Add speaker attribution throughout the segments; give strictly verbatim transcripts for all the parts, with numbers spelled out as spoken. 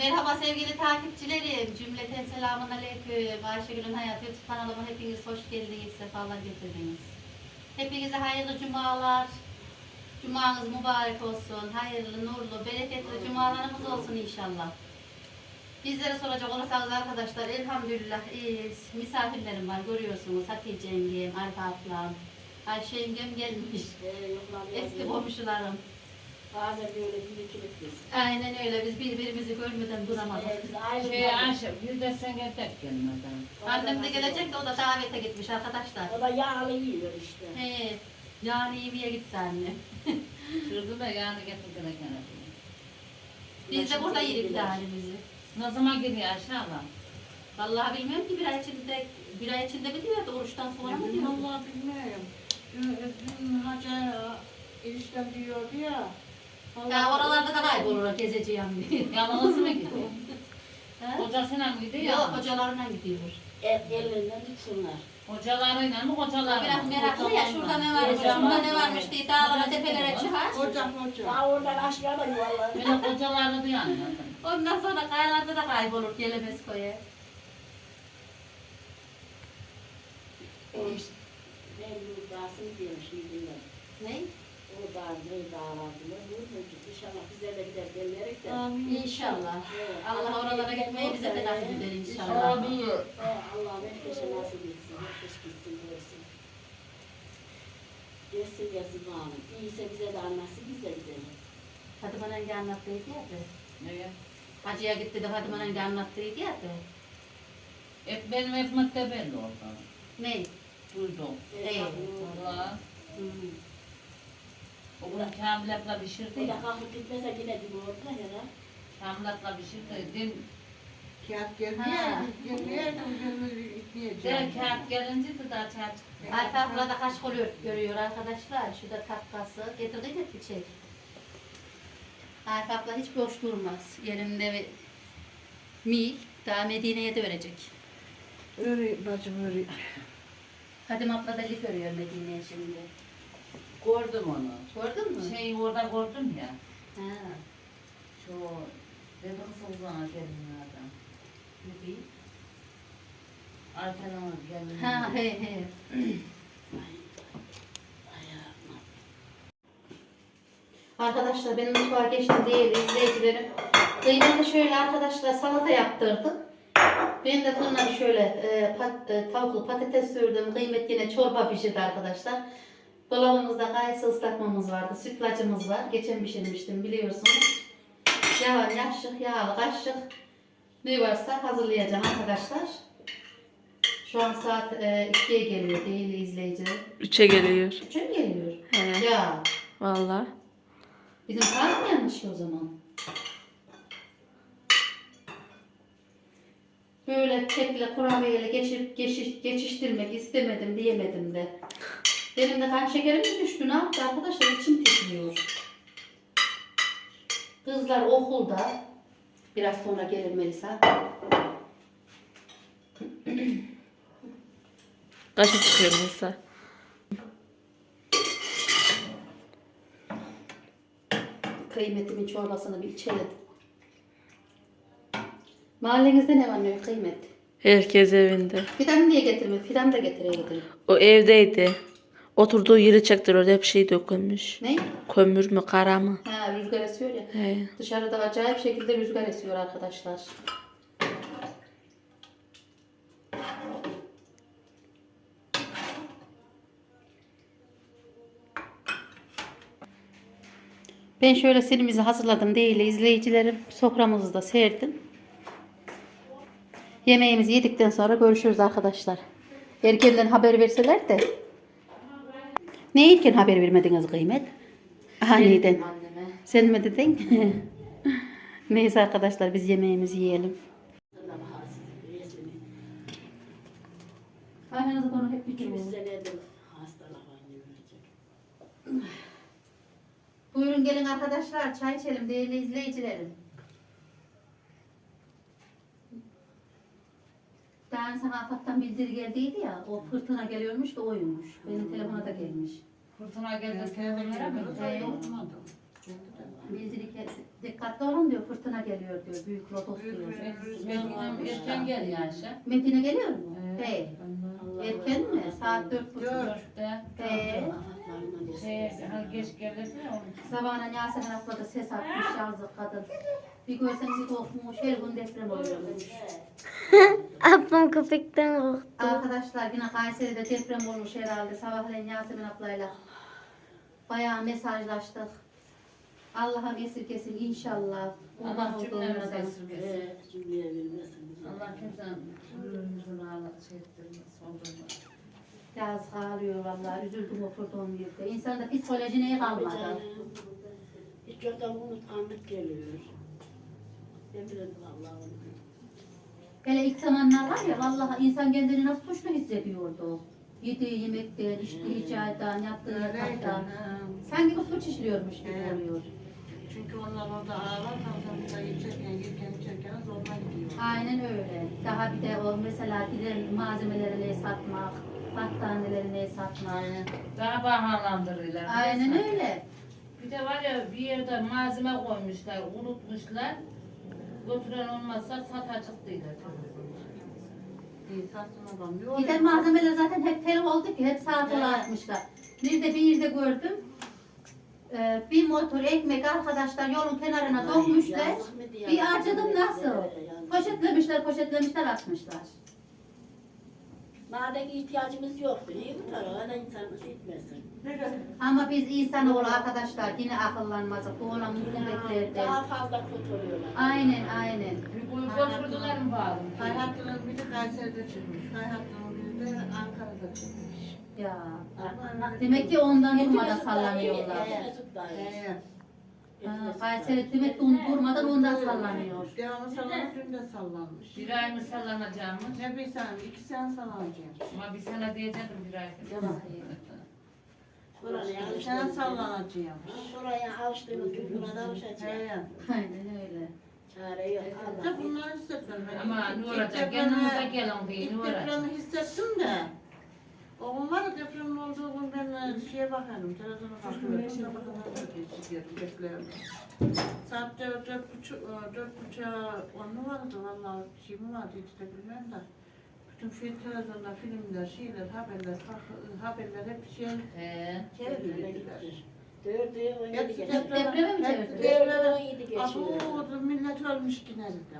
Speaker 1: Merhaba sevgili takipçilerim. Cümleten selamun aleyküm. Ayşegül'ün Hayat YouTube kanalıma hepiniz hoş geldiniz, sefalar getirdiniz. Hepinize hayırlı cumalar. Cumanız mübarek olsun. Hayırlı, nurlu, bereketli cumalarımız olsun inşallah. Bizlere soracak olursanız arkadaşlar elhamdülillah iyiyiz. Misafirlerim var görüyorsunuz. Hatice yengem, Arif ablam, Ayşe yengem gelmiş.
Speaker 2: Ee,
Speaker 1: Eski komşularım.
Speaker 2: Bazen böyle bir ikilik biz.
Speaker 1: Aynen öyle. Biz birbirimizi görmeden duramadık.
Speaker 2: Ee, biz ayrı
Speaker 3: Şey Ayşe, bir de sen gel tek gelmeden.
Speaker 1: Annem de gelecek de o da davete gitmiş arkadaşlar.
Speaker 2: O da yağlı yiyor işte.
Speaker 1: He, yani yemeğe gitti anne.
Speaker 3: Şurada da yani getirdiler gene.
Speaker 1: Biz de burada yedik halimizi.
Speaker 3: Ne zaman geliyor Ayşe abla?
Speaker 1: Vallahi bilmiyorum ki bir ay içinde, bir ay içinde mi diyordu, oruçtan sonra mı diyordu?
Speaker 4: Vallahi bilmiyorum. Dün, dün Hacer eniştem diyordu ya.
Speaker 1: Ya oralarda da kaybolur gezeceğim diye.
Speaker 3: Yalnız mı gidiyor?
Speaker 1: Ha?
Speaker 3: Kocasıyla mı gidiyor?
Speaker 1: Yok, hocalarına gidiyor.
Speaker 2: Et ellerinden tutsunlar.
Speaker 3: Hocalarıyla mı hocalarıyla
Speaker 1: Biraz
Speaker 3: mı?
Speaker 1: meraklı ya, şurada ne varmış, şurada ne varmış diye dağlara tepelere çıkar.
Speaker 4: Hocam hocam.
Speaker 2: Daha oradan aşağıda yuvarlar.
Speaker 3: Böyle hocalarını duyan anladım.
Speaker 1: Ondan sonra kayalarda da kaybolur, gelemez koya.
Speaker 2: Ben bu dağsını diyorum şimdi.
Speaker 1: Ne?
Speaker 2: O dağ ne dağlardılar. İnşallah bize de gider gelirek de.
Speaker 1: İnşallah.
Speaker 2: Evet.
Speaker 1: Allah oralara gitmeyi bize de nasip eder inşallah.
Speaker 3: Amin.
Speaker 2: Evet, Allah herkese nasip etsin. Herkes gitsin görsün. Gelsin gelsin bağlı. İyiyse bize de anlatsın biz de gidelim.
Speaker 1: Fatıma Nenge anlattıydı ya da.
Speaker 3: Evet.
Speaker 1: Hacıya gitti de Fatıma Nenge anlattıydı ya da.
Speaker 3: Et benim ekmek de belli orada.
Speaker 1: Ne?
Speaker 3: Duydum.
Speaker 1: Evet.
Speaker 3: Valla.
Speaker 1: Hmm.
Speaker 3: O gün Kamil'le pişirdi
Speaker 2: Bir de
Speaker 3: ya.
Speaker 2: kalkıp gitmese yine gibi orada ya da.
Speaker 3: Kamil'le pişirdi. Din,
Speaker 4: Kağıt gelmiyor.
Speaker 1: Ha.
Speaker 4: Gelmiyor. Gelmiyor.
Speaker 3: der
Speaker 4: İtmeyeceğim.
Speaker 3: kağıt gelince de daha çay çıktı.
Speaker 1: Arka abla kaç kolyor görüyor arkadaşlar. Şurada takkası. Getirdik mi çiçek? Arka abla hiç boş durmaz. Yerinde ve mil daha Medine'ye de örecek.
Speaker 4: Öyle bacım öyle.
Speaker 1: Fadime abla da lif örüyor Medine'ye şimdi.
Speaker 3: Gördüm onu.
Speaker 1: Gördün mü?
Speaker 3: Şeyi orada gördüm ya.
Speaker 1: Ha.
Speaker 3: Şu dedim Sılzan'a gelin adam.
Speaker 1: Ne diyeyim?
Speaker 3: Arkadan gelin.
Speaker 1: Ha he he. Arkadaşlar benim mutfağa geçtim değil izleyicilerim. Kıymetli şöyle arkadaşlar salata yaptırdım. Ben de fırına şöyle e, pat, e, tavuklu patates sürdüm. Kıymet yine çorba pişirdi arkadaşlar. Dolabımızda kayısı ıslatmamız vardı. Sütlacımız var. Geçen pişirmiştim biliyorsunuz. Yağ, yaşık, yağlı, kaşık ne varsa hazırlayacağım arkadaşlar. Şu an saat e, ikiye geliyor değil izleyiciler.
Speaker 5: Üçe geliyor.
Speaker 1: Üçe mi geliyor?
Speaker 5: He.
Speaker 1: Ya.
Speaker 5: Vallahi.
Speaker 1: Bizim saat mi yanlış o zaman? Böyle kekle kurabiyeyle geçip geçiş, geçiştirmek istemedim diyemedim de. Benim de kan şekerim mi düştü ne yaptı arkadaşlar içim titriyor. Kızlar okulda. Biraz sonra gelir Melisa.
Speaker 5: Kaça çıkıyor mesela?
Speaker 1: Kıymetimin çorbasını bir içelim. Mahallenizde ne var ne yok kıymet?
Speaker 5: Herkes evinde.
Speaker 1: Fidan niye getirmedi? Fidan da getireydi.
Speaker 5: O evdeydi. Oturduğu yeri çektiriyor. Hep şey dökülmüş.
Speaker 1: Ne?
Speaker 5: Kömür mü kara mı?
Speaker 1: Ha rüzgar esiyor ya.
Speaker 5: He.
Speaker 1: Dışarıda acayip şekilde rüzgar esiyor arkadaşlar. Ben şöyle silimizi hazırladım değil izleyicilerim. Soframızı da serdim. Yemeğimizi yedikten sonra görüşürüz arkadaşlar. Erkenden haber verseler de. Ne erken haber vermediniz kıymet? Aniden. Sen mi dedin? Neyse arkadaşlar biz yemeğimizi yiyelim. Aynanızı konu hep
Speaker 2: İki
Speaker 1: bitiriyor.
Speaker 2: senedir hastalık var.
Speaker 1: Buyurun gelin arkadaşlar çay içelim değerli izleyicilerim. Daha sana afattan bildiri geldiydi ya o fırtına geliyormuş da oymuş. Benim telefona da gelmiş.
Speaker 3: Fırtına geldi telefonlara mı?
Speaker 1: Evet.
Speaker 3: Okumadım.
Speaker 1: Bildiri geldi. Dikkatli olun diyor, fırtına geliyor diyor, büyük lodos
Speaker 4: Büyük
Speaker 1: diyor.
Speaker 4: bir rüzgar
Speaker 3: Medine
Speaker 4: varmış.
Speaker 3: erken geliyor Ayşe.
Speaker 1: Medine geliyor mu?
Speaker 3: Evet.
Speaker 1: Değil.
Speaker 2: Allah
Speaker 1: Erken mi?
Speaker 2: Allah.
Speaker 1: Saat dört buçuk.
Speaker 4: Dört.
Speaker 3: Dörtte.
Speaker 1: Ee,
Speaker 2: Allah'larına
Speaker 3: Şey,
Speaker 2: versin.
Speaker 3: hani geç gelirdi ya onun.
Speaker 1: sabahına Yasemin abla da ses atmış, yazık kadın. Bir görsen bir korkmuş, her gün deprem oluyormuş.
Speaker 6: Ablam köpekten korktu.
Speaker 1: Arkadaşlar yine Kayseri'de deprem olmuş herhalde. Sabahleyin Yasemin ablayla bayağı mesajlaştık. Allah'ım esirgesin inşallah.
Speaker 3: Allah
Speaker 1: Kurban
Speaker 3: cümlemize
Speaker 1: olduğumuzdan.
Speaker 3: esirgesin.
Speaker 2: Evet, cümleye vermesin.
Speaker 3: Allah kimsenin ömrümüzün ağırlığı şey ettirmez, soldurmaz.
Speaker 1: Yazık ağlıyor vallahi. Üzüldüm oturduğum yerde. İnsanın da psikoloji neye
Speaker 2: Tabii
Speaker 1: kalmadı.
Speaker 2: canım. Hiç yoktan unutkanlık geliyor. Eminim Allah'ım.
Speaker 1: Hele ilk zamanlar var ya vallahi insan kendini nasıl suçlu hissediyordu. Yediği yemekten, içtiği çaydan, yattığı
Speaker 4: Öyleydi.
Speaker 1: yataktan.
Speaker 4: Ha.
Speaker 1: Sanki bu suç işliyormuş gibi
Speaker 4: Evet.
Speaker 1: oluyor.
Speaker 4: Çünkü onlar orada ağlar, kalkanında içerken, yerken, içerken zoruna gidiyor.
Speaker 1: Aynen öyle. Daha bir de o mesela gidelim malzemelerini satmak, battaniyelerini satmak.
Speaker 3: Daha bahalandırırlar.
Speaker 1: Aynen
Speaker 3: biliyorsun.
Speaker 1: öyle.
Speaker 3: Bir de var ya bir yerde malzeme koymuşlar, unutmuşlar. Götüren olmazsa satacak değiller.
Speaker 4: İyi satsın adam. Ne
Speaker 1: Giden
Speaker 4: oluyor?
Speaker 1: malzemeler zaten hep tel oldu ki hep sağa sola atmışlar. Bir de bir yerde gördüm. Ee, bir motor ekmek arkadaşlar yolun kenarına dökmüşler.
Speaker 2: Yazık mı diye.
Speaker 1: Bir harcadım nasıl?
Speaker 2: Yazık.
Speaker 1: Poşetlemişler, poşetlemişler, atmışlar.
Speaker 2: Madem ihtiyacımız yoktu, iyi mi tarafa? Öyle insanımız gitmesin.
Speaker 1: Ama biz insanoğlu arkadaşlar yine akıllanmazdık. Bu olan musibetlerden.
Speaker 2: Daha fazla kötü oluyorlar.
Speaker 1: Aynen, aynen.
Speaker 3: Bir kuyu götürdüler mi bağlı?
Speaker 4: Kayhattının biri Kayseri'de çıkmış. Kayhattının biri de Ankara'da çıkmış.
Speaker 1: Ya.
Speaker 4: Ama
Speaker 1: Demek ki ondan durmadan
Speaker 2: Mesut da iyi,
Speaker 1: sallanıyorlar.
Speaker 2: evet, Mesut da iyi.
Speaker 4: Ee,
Speaker 1: Ha, Kayseri demek ki onu durmadan ondan sallanıyor.
Speaker 4: devamlı sallanıp dün de sallanmış.
Speaker 3: Bir ay mı sallanacağımız?
Speaker 4: Ne bir sene, iki sene sallanacağım.
Speaker 3: Ama bir sene diyecektim bir ay.
Speaker 2: Buraya
Speaker 4: Bir sene
Speaker 2: alıştığımız
Speaker 4: sallanacağım.
Speaker 2: Buraya alıştığımız gün buna da alışacağız.
Speaker 4: He.
Speaker 1: Aynen öyle.
Speaker 2: Çare yok.
Speaker 4: De
Speaker 2: Allah.
Speaker 4: bunları hissettim ben.
Speaker 3: Ama
Speaker 4: İlk-
Speaker 3: ne
Speaker 4: ilk
Speaker 3: olacak?
Speaker 4: depremi-
Speaker 3: Kendinize gelin diye
Speaker 4: İlk
Speaker 3: ne olacak?
Speaker 4: depremi hissettim de. Oğlum var ya depremin olduğu gün ben şeye bakarım, televizyona bakıyorum. Sonra bakarım, geçiyorum, bekliyorum. Saat dört, dört buçuk, e, dört buçuğa on mu vardı valla, şey mi vardı hiç de bilmem de. Bütün film, televizyonda filmler, şeyler, haberler, farklı- haberler hep şey
Speaker 3: He.
Speaker 4: çevirdiler.
Speaker 2: Dördü on yedi
Speaker 4: Hepsi
Speaker 2: geçiyor.
Speaker 1: Depreme mi
Speaker 4: hep
Speaker 1: çevirdiler?
Speaker 4: depreme-
Speaker 2: on yedi geçiyor.
Speaker 4: Abu, millet ölmüş yine dedim.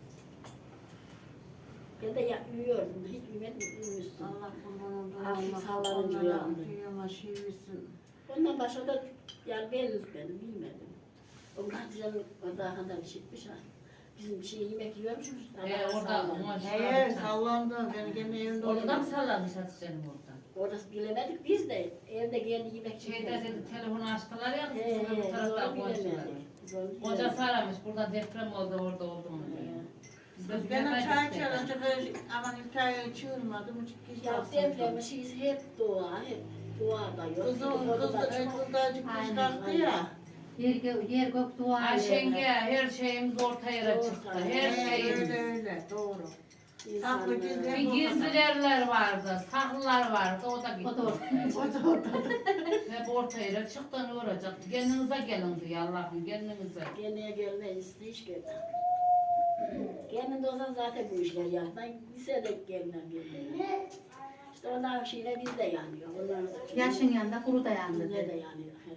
Speaker 2: Ben de yapmıyordum. Hiç bilmedim.
Speaker 4: Allah kurban olduğum
Speaker 2: Hafif
Speaker 4: Allah
Speaker 2: sallanınca
Speaker 4: onlara
Speaker 2: uyandı.
Speaker 4: kıyama şey versin.
Speaker 2: Ondan başka da yani ben benim bilmedim. O Hatice'nin o daha kadar çıkmış ha. Bizim bir şey yemek yiyormuşuz.
Speaker 3: He
Speaker 2: Allah'a
Speaker 3: orada
Speaker 2: sağlık.
Speaker 3: ona
Speaker 4: He sallandı. Ben gene evimde
Speaker 3: Orada mı
Speaker 4: oturdum.
Speaker 3: sallanmış Hatice'nin orada?
Speaker 2: Orası bilemedik biz de. Evde kendi yemek
Speaker 3: Şeyde
Speaker 2: yiyoruz.
Speaker 3: dedi telefonu açtılar ya
Speaker 2: He
Speaker 3: kızım bu
Speaker 2: he.
Speaker 3: taraftan
Speaker 2: Zor
Speaker 3: konuştular.
Speaker 2: bilemedik. Zor bilemedik.
Speaker 3: Kocası aramış burada deprem oldu orada oldu mu diye.
Speaker 2: He.
Speaker 3: Biz de
Speaker 4: Gene
Speaker 3: görmedik
Speaker 4: çay
Speaker 3: dedi.
Speaker 4: içerken aman iftarı çığırmadım. Hiç hiç
Speaker 2: Ya
Speaker 4: alsın.
Speaker 2: depremi şeyiz hep dua, hep dua da yok.
Speaker 4: Kızım
Speaker 2: Orada
Speaker 4: kız
Speaker 2: da
Speaker 4: da
Speaker 2: çok-
Speaker 4: kızdacık kız
Speaker 1: Aynen,
Speaker 4: kalktı ya.
Speaker 1: Yer, gö yer gök dua
Speaker 3: Ayşenge
Speaker 1: ediyor.
Speaker 3: her şeyimiz orta yere
Speaker 2: Orta
Speaker 3: çıktı.
Speaker 2: yere.
Speaker 3: Her
Speaker 4: He,
Speaker 3: şeyimiz.
Speaker 4: öyle öyle doğru.
Speaker 2: İnsanlar-
Speaker 4: Saklı gizli.
Speaker 3: Bir gizlilerler vardı, saklılar vardı, o da gitti.
Speaker 1: O da orta.
Speaker 4: O da ortada.
Speaker 3: Hep orta yere çıktı ne olacak? Kendinize gelin diyor Allah'ım, kendinize.
Speaker 2: Kendine gelmeyiz hiç gelmem. Kendinde olsan zaten bu işler yap. Ben lisede gelmem gelmem. İşte onların şeyine biz de yanıyor. Onların
Speaker 1: Yaşın yanında kuru da
Speaker 2: Bizde
Speaker 1: yandı.
Speaker 2: de yanıyor. he.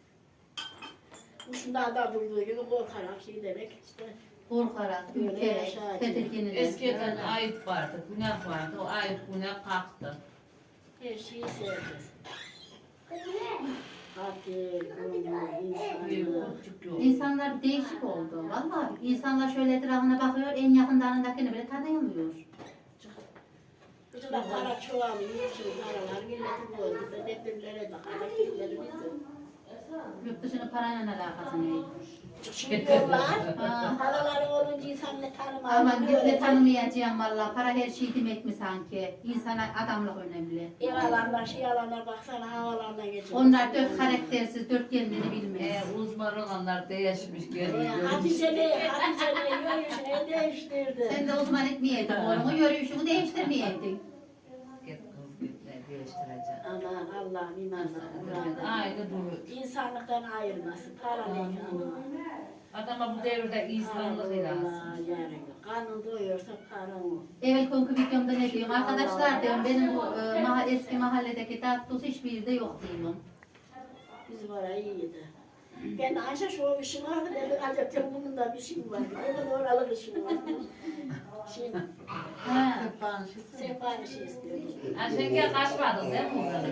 Speaker 2: Bu şunda da durduğu gibi korkarak şey demek işte.
Speaker 1: Korkarak,
Speaker 2: Öyle
Speaker 1: ürkerek,
Speaker 2: yaşayacak.
Speaker 1: tedirginlik.
Speaker 3: Eskiden ayıp vardı, günah vardı, o ayıp günah kalktı.
Speaker 2: Her şeyi seveceğiz. Katil, onu,
Speaker 3: Büyük
Speaker 2: insanı.
Speaker 3: küçük yok.
Speaker 1: İnsanlar değişik oldu. Vallahi insanlar şöyle etrafına bakıyor, en yakınlarındakini bile tanıyamıyor.
Speaker 2: Bütün de para çoğalıyor, şimdi paralar milletin oldu. Ben depremlere de hareketleri bizim.
Speaker 1: Yurt dışının parayla alakası ne?
Speaker 2: Çıkıyorlar.
Speaker 1: Ha.
Speaker 2: Paraları olunca insan ne tanımaz.
Speaker 1: Ama ne tanımayacağım valla. Para her şey demek mi sanki? İnsana adamlık önemli.
Speaker 2: Ev alanlar, şey alanlar baksana havalardan geçiyor.
Speaker 1: Onlar dört karaktersiz, dört kendini
Speaker 3: Ee,
Speaker 1: bilmez.
Speaker 3: uzman olanlar değişmiş
Speaker 2: Ee,
Speaker 3: geldi.
Speaker 2: Hatice ne, Hatice ne yürüyüşünü değiştirdi.
Speaker 1: Sen de uzman etmeyeydin oğlumu, yürüyüşünü değiştirmeyeydin.
Speaker 3: Git kız git ne değiştireceğim.
Speaker 2: Aman Allah'ım imanla.
Speaker 3: Aynı duruyor.
Speaker 2: İnsanlıktan ayırmasın. Para ne ki aman.
Speaker 3: Adama bu devirde insanlık lazım.
Speaker 2: Allah yani. Karnın doyuyorsa paran o.
Speaker 1: Evet konku videomda ne diyorum? Arkadaşlar diyorum benim bu e, maha, eski mahalledeki tatlısı hiçbir yerde yok diyorum.
Speaker 2: Bizim orayı iyiydi. Ben Ayşe şu işim vardı, ben de acaba bunun da bir şeyim vardı. Ben de oralı işim vardı. Şimdi
Speaker 1: Ha.
Speaker 4: Sefa'nın şeysi.
Speaker 2: sefari şey istiyorum.
Speaker 3: Ayşenge kaçmadın değil mi?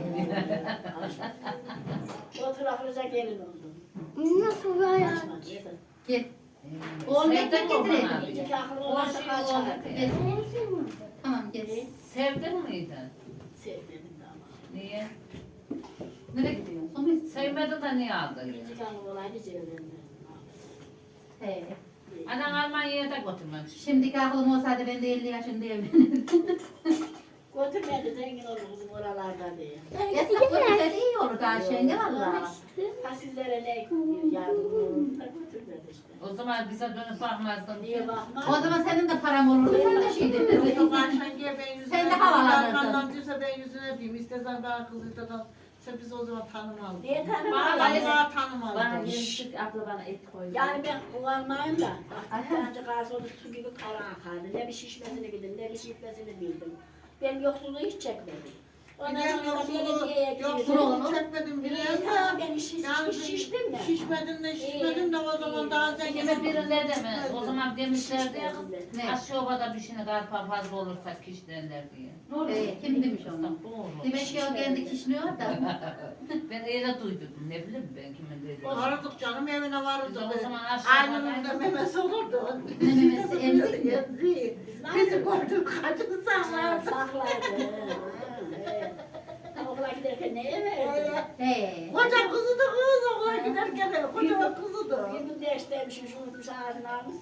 Speaker 2: O taraflıca gelin oldum.
Speaker 6: Nasıl bir hayat?
Speaker 2: Kaçmadı. Neyse.
Speaker 1: Gel. Oğlum
Speaker 3: Sevdin
Speaker 1: ekmek
Speaker 3: mi onu
Speaker 1: getirelim.
Speaker 3: abi?
Speaker 2: İki akıllı
Speaker 3: O
Speaker 2: olan da
Speaker 3: şey
Speaker 2: kaçar.
Speaker 3: oldu.
Speaker 1: Gel. Tamam gel.
Speaker 3: Sevdin miydi?
Speaker 2: Sevmedim de ama.
Speaker 3: Niye?
Speaker 1: Nereye gidiyorsun? Son mu?
Speaker 3: Sevmedi de niye aldın ya?
Speaker 2: İki akıllı olaydı çevremde.
Speaker 1: He.
Speaker 3: Anan Almanya'ya da götürmemiş.
Speaker 1: Şimdiki aklım olsaydı ben de elli yaşında evlenirdim.
Speaker 2: Götürmedi zengin olur bizim oralarda diye.
Speaker 1: Yasak götürse iyi olur Ayşenge valla.
Speaker 2: Ha sizlere ne yardım olur da götürmedi işte.
Speaker 3: O zaman bize dönüp bakmazdın.
Speaker 2: Niye bakma?
Speaker 1: O zaman senin de param olurdu. Sen de şey
Speaker 4: Yok
Speaker 1: derdin.
Speaker 4: Ayşen'e ben yüzüne
Speaker 1: Sen de
Speaker 4: diyeyim,
Speaker 1: havalanırdın.
Speaker 4: arkamdan diyorsa ben yüzüne diyeyim. İstesen ben kız istesen sen bizi o zaman tanımaldın.
Speaker 2: Niye
Speaker 3: Bana
Speaker 2: tanımadın?
Speaker 3: öyle-
Speaker 4: Vallahi tanımaldın.
Speaker 5: Bana yemişlik abla bana et koydu.
Speaker 2: Yani ben kullanmayayım da. Bak bir tane garsonu su gibi kara akardı. Ne bir şişmesini bildim, ne bir şişmesini bildim. Ben yoksulluğu hiç çekmedim. Ondan
Speaker 4: Ben
Speaker 2: sonra da
Speaker 4: yoksulluğu,
Speaker 2: belediyeye
Speaker 4: yoksulluğu
Speaker 2: girdim.
Speaker 4: çekmedim bile
Speaker 2: Tamam
Speaker 4: ama
Speaker 2: ben şiş,
Speaker 4: yani
Speaker 2: şiş, şiştim de.
Speaker 4: şişmedim de şişmedim de o zaman daha zengin.
Speaker 3: Kime birine de mi? O zaman demişlerdi ya kız.
Speaker 1: Ne?
Speaker 3: Aşağı obada bir şeyine karpa fazla olursa kiş derler diye.
Speaker 1: Ee, kim demiş onu?
Speaker 3: Doğru.
Speaker 1: Demek ki o kendi kişniyor da.
Speaker 3: Ben öyle duydum. Ne bileyim ben kimin dediğini.
Speaker 4: Vardık canım evine vardık.
Speaker 3: Biz o zaman aşağıda-
Speaker 4: Aynının da memesi olurdu.
Speaker 1: Ne memesi, emzik mi?
Speaker 4: Emzik. Bizi koyduk kaçını sağlar.
Speaker 2: Saklardı. Evet. Okula giderken neye verdi?
Speaker 1: He.
Speaker 4: Koca kızıdı kız okula giderken koca kızıdı.
Speaker 2: Bir gün dersteymişim, unutmuş ağzını almış.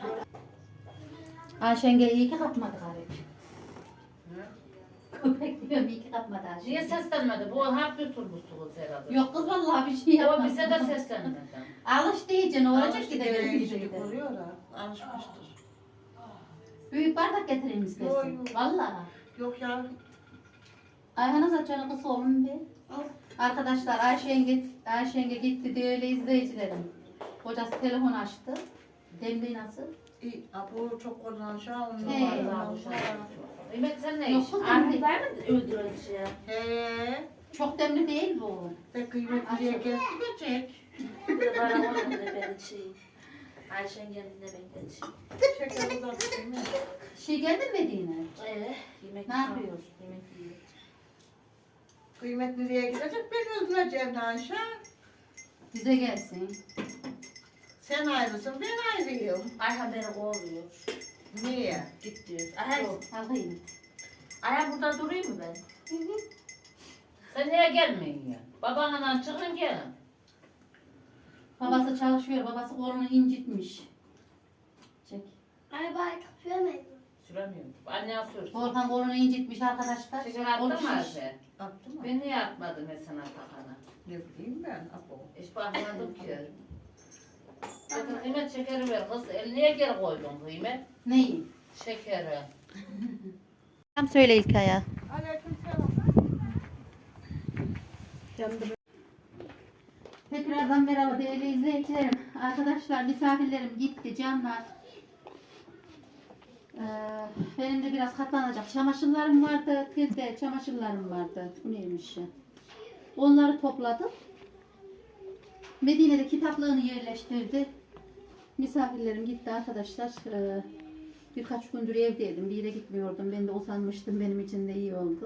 Speaker 1: Ayşenge iyi ki kapmadı galiba. Köpek diyorum iyi ki kapmadı Ayşenge.
Speaker 3: Niye seslenmedi? Bu hap bir turbusu herhalde.
Speaker 1: Yok kız vallahi bir şey
Speaker 3: O
Speaker 1: yapmadı.
Speaker 3: bize de seslenmedi.
Speaker 1: Alış diyece ne olacak ki de
Speaker 4: Alıştı,
Speaker 1: gelmeyecek
Speaker 4: iyilik
Speaker 1: de.
Speaker 4: oluyor ha. Alışmıştır.
Speaker 1: Büyük bardak getireyim
Speaker 4: Yok,
Speaker 1: istersen.
Speaker 4: yok.
Speaker 1: Vallahi.
Speaker 4: Yok ya.
Speaker 1: Ayhan'a saçını kısa olun bir. Arkadaşlar Ayşenge, Ayşenge gitti diye öyle izleyicilerim. Kocası telefon açtı. Demliği nasıl?
Speaker 4: İyi. Ha, bu çok kullanışa onu.
Speaker 1: He.
Speaker 3: Mehmet sen ne
Speaker 1: Yok
Speaker 3: iş?
Speaker 1: kız demli.
Speaker 5: Ahmetler mi öldürülmüş ya?
Speaker 4: He.
Speaker 1: Çok demli değil bu.
Speaker 4: Ve kıymetliye geldi geçecek.
Speaker 5: Bir de bana onun da ben şey. Ayşen geldiğinde ben gelişim.
Speaker 4: Şeker uzattı mı?
Speaker 1: Şey geldi mi Medine?
Speaker 5: Ee, yemek
Speaker 1: Ne yapıyor?
Speaker 5: Yemek yiyor.
Speaker 4: Kıymetliye gidecek ben öldüreceğim Ayşe.
Speaker 1: Bize gelsin.
Speaker 4: Sen ayrısın ben ayrıyım.
Speaker 5: Ayhan beni kovuyor.
Speaker 4: Niye?
Speaker 5: Git diyor. Ayhan,
Speaker 1: Alayım.
Speaker 5: Ayhan burada durayım mı ben?
Speaker 3: Sen niye gelmeyin ya? Babanla çıkın gelin.
Speaker 1: Babası çalışıyor. Babası kolunu incitmiş. Çek.
Speaker 6: Ay bay kapıyor
Speaker 3: Süremiyorum. Anne sürsün.
Speaker 1: Volkan kolunu incitmiş arkadaşlar.
Speaker 3: Şeker
Speaker 1: Kolu
Speaker 3: attın mı
Speaker 1: şiş.
Speaker 3: Ayşe?
Speaker 4: Attı mı?
Speaker 3: Ben niye atmadım mesela takana?
Speaker 4: Ne bileyim ben. Apo.
Speaker 3: Hiç bakmadım ki. Bakın kıymet şekeri ver kız. El niye geri koydun kıymet?
Speaker 1: Neyi?
Speaker 3: Şekeri.
Speaker 1: Tam söyle İlkay'a.
Speaker 4: Aleykümselam.
Speaker 1: Tekrardan merhaba değerli izleyicilerim. Arkadaşlar misafirlerim gitti canlar. Ee, benim de biraz katlanacak çamaşırlarım vardı. Bir de çamaşırlarım vardı. Bu neymiş ya? Onları topladım. Medine'de kitaplığını yerleştirdi. Misafirlerim gitti arkadaşlar. Ee, birkaç gündür evdeydim. Bir yere gitmiyordum. Ben de usanmıştım. Benim için de iyi oldu.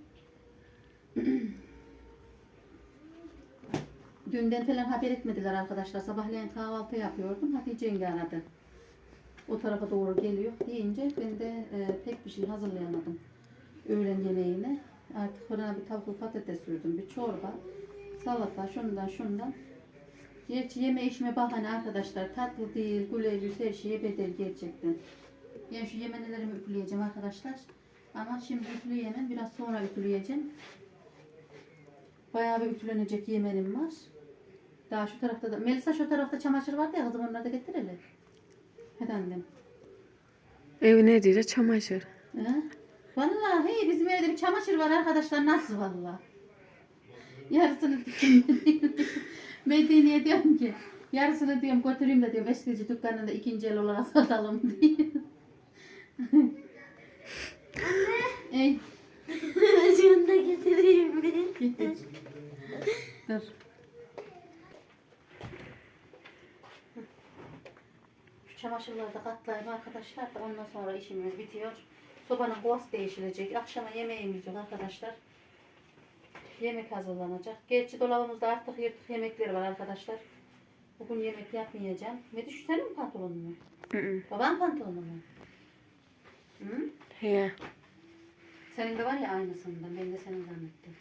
Speaker 1: Dünden falan haber etmediler arkadaşlar. Sabahleyin kahvaltı yapıyordum. Hatice yenge aradı. O tarafa doğru geliyor deyince ben de e, pek bir şey hazırlayamadım. Öğlen yemeğine. Artık fırına bir tavuklu patates sürdüm. Bir çorba, salata, şundan şundan. Gerçi yeme içme bahane arkadaşlar. Tatlı değil, güler yüz her şeye bedel gerçekten. Ben şu yemenelerimi üfleyeceğim arkadaşlar. Ama şimdi üfleyemem. Biraz sonra üfleyeceğim. Bayağı bir ütülenecek yemenim var. Daha şu tarafta da. Melisa şu tarafta çamaşır vardı ya kızım onları da getirelim. Hadi annem.
Speaker 5: Evine değil çamaşır.
Speaker 1: He? Vallahi hey, bizim evde bir çamaşır var arkadaşlar. Nasıl vallahi? Yarısını Medine'ye diyorum ki Yarısını diyorum götüreyim de diyorum eskici dükkanında ikinci el olarak satalım diye. Ey
Speaker 6: Şunu da getireyim mi?
Speaker 1: getir. Dur. Şu çamaşırları da katlayayım arkadaşlar da ondan sonra işimiz bitiyor. Sobanın kovası değişilecek. Akşama yemeğimiz yok arkadaşlar. Yemek hazırlanacak. Gerçi dolabımızda artık yırtık yemekler var arkadaşlar. Bugün yemek yapmayacağım. Ne düşün senin mi pantolonun mu?
Speaker 5: Hı hı.
Speaker 1: Baban pantolonu mu? Hı?
Speaker 5: He.
Speaker 1: Senin de var ya aynısından. Ben de senin zannettim.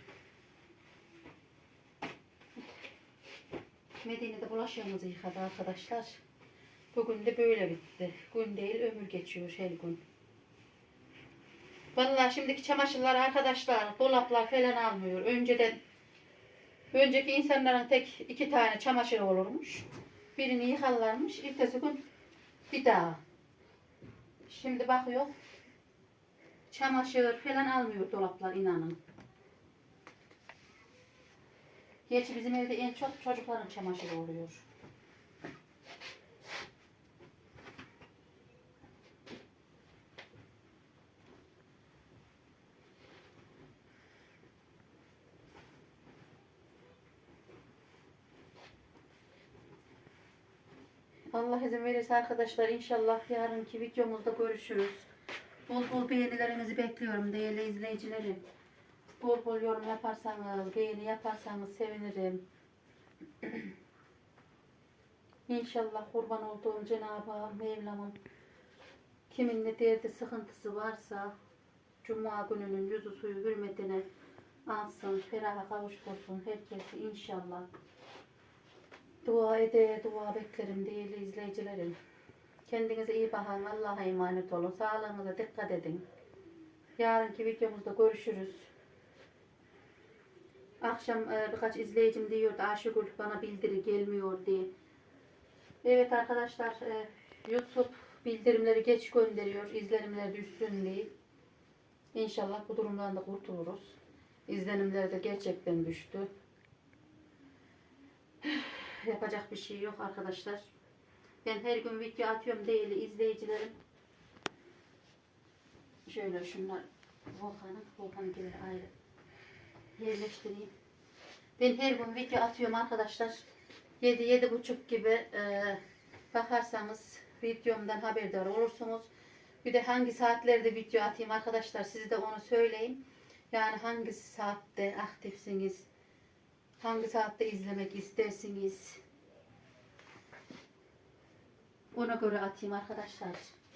Speaker 1: Medine'de bulaşığımızı yıkadı arkadaşlar. Bugün de böyle bitti. Gün değil ömür geçiyor her gün. Vallahi şimdiki çamaşırlar arkadaşlar dolaplar falan almıyor. Önceden önceki insanların tek iki tane çamaşırı olurmuş. Birini yıkarlarmış. Ertesi gün bir daha. Şimdi bakıyor. Çamaşır falan almıyor dolaplar inanın. Gerçi bizim evde en çok çocukların çamaşırı oluyor. Allah izin verirse arkadaşlar inşallah yarınki videomuzda görüşürüz. Bol bol beğenilerinizi bekliyorum değerli izleyicilerim. Bol bol yorum yaparsanız, beğeni yaparsanız sevinirim. İnşallah kurban olduğum Cenab-ı Hak Mevlam'ın kimin ne derdi sıkıntısı varsa Cuma gününün yüzü suyu hürmetine alsın, feraha kavuştursun herkesi inşallah. Dua ede, dua beklerim değerli izleyicilerim. Kendinize iyi bakın, Allah'a emanet olun. Sağlığınıza dikkat edin. Yarınki videomuzda görüşürüz. Akşam e, birkaç izleyicim diyordu Ayşegül bana bildiri gelmiyor diye. Evet arkadaşlar e, YouTube bildirimleri geç gönderiyor. İzlenimler düşsün diye. İnşallah bu durumdan da kurtuluruz. İzlenimler de gerçekten düştü. Yapacak bir şey yok arkadaşlar. Ben her gün video atıyorum değerli izleyicilerim. Şöyle şunlar Volkan'ın, Volkan'ın gibi ayrı yerleştireyim. Ben her gün video atıyorum arkadaşlar. yedi yedi buçuk gibi e, bakarsanız videomdan haberdar olursunuz. Bir de hangi saatlerde video atayım arkadaşlar size de onu söyleyeyim. Yani hangi saatte aktifsiniz, hangi saatte izlemek istersiniz. Ona göre atayım arkadaşlar.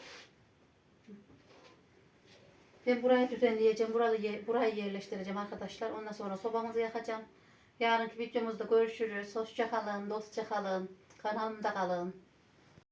Speaker 1: Ben burayı düzenleyeceğim. Burayı, burayı yerleştireceğim arkadaşlar. Ondan sonra sobamızı yakacağım. Yarınki videomuzda görüşürüz. Hoşça kalın, dostça kalın. Kanalımda kalın.